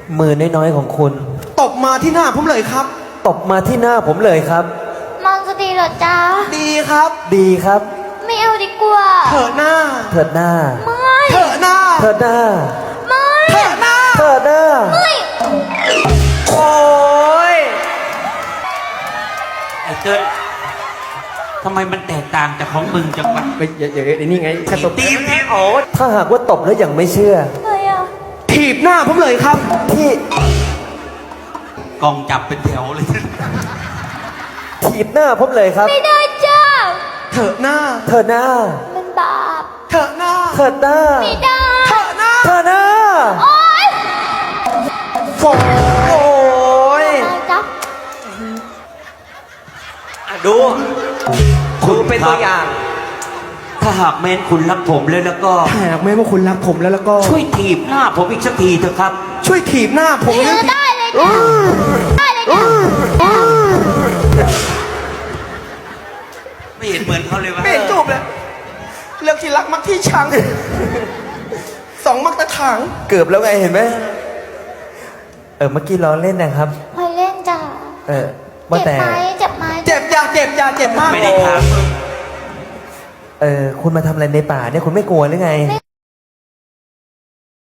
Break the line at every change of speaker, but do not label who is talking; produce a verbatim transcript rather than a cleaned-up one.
มือน้อยๆของคุณ
ตบมาที่หน้าผมเลยครับ
ตบมาที่หน้าผมเลยครับ
มันจะดีเหรอจ๊ะ
ดีครับ
ดีครับ
ไม่เอาดีกว่า
เถิดหน้า
เถิดหน้า
ไม่
เถิดหน้า
เถิดหน้า
ไม่
เถิดหน้า
เถิดหน้า
ไม่
โอ้ย
ไอ้เติ้ลทำไมมันแตกต่างจากของมึงจังวะ
ไปอย่าอย่าไอ้นี่ไงแค่ตบ
ตีมทีโอ้
ถ้าหากว่าตบแล้วยังไม่เชื่อ
อะไรอ่ะ
ถีบหน้าผมเลยครับ
ที่
กองจับเป็นแถวเลย
ถีบหน้าผมเลยครับ
ไม่ได้จ้า
เถิดหน้า
เถิดหน้า
มันบาป
เถิดหน้า
เถิดหน้า
ไม่ได้
เถิดหน้า
เถิดหน้า
โอ๊ย
โอ้โอ้ย
จ๊ะ
ดูคุณเป็นตัวอย่าง
ถ้าหากแม้นคุณรักผมแล้วแล้วก็
ถ้าหากแม้ว่าคุณรักผมแล้วแล้วก็
ช่วยถีบหน้าผมอีกสักทีเถอะครับ
ช่วยถีบหน้าผม
ได้เลยจ้ะได้เลยจ้ะ
ไม่เห็นเหมือนเขาเลยวะ
ไม่เห็นจบเลยเรื่องที่รักมักที่ชังสองมักตะถัง
เกือบแล้วไงเห็นไหมเออเมื่อกี้ล้อเล่นนะครับ
พอเล่นจ้ะ
เออว่าแต่
เจ็บไหม
เจ็บอย่าเจ็บอย่าเจ็บมาก
ไม่ได้ถาม
เออคุณมาทำอะไรในป่าเนี่ยคุณไม่กลัวหรือไง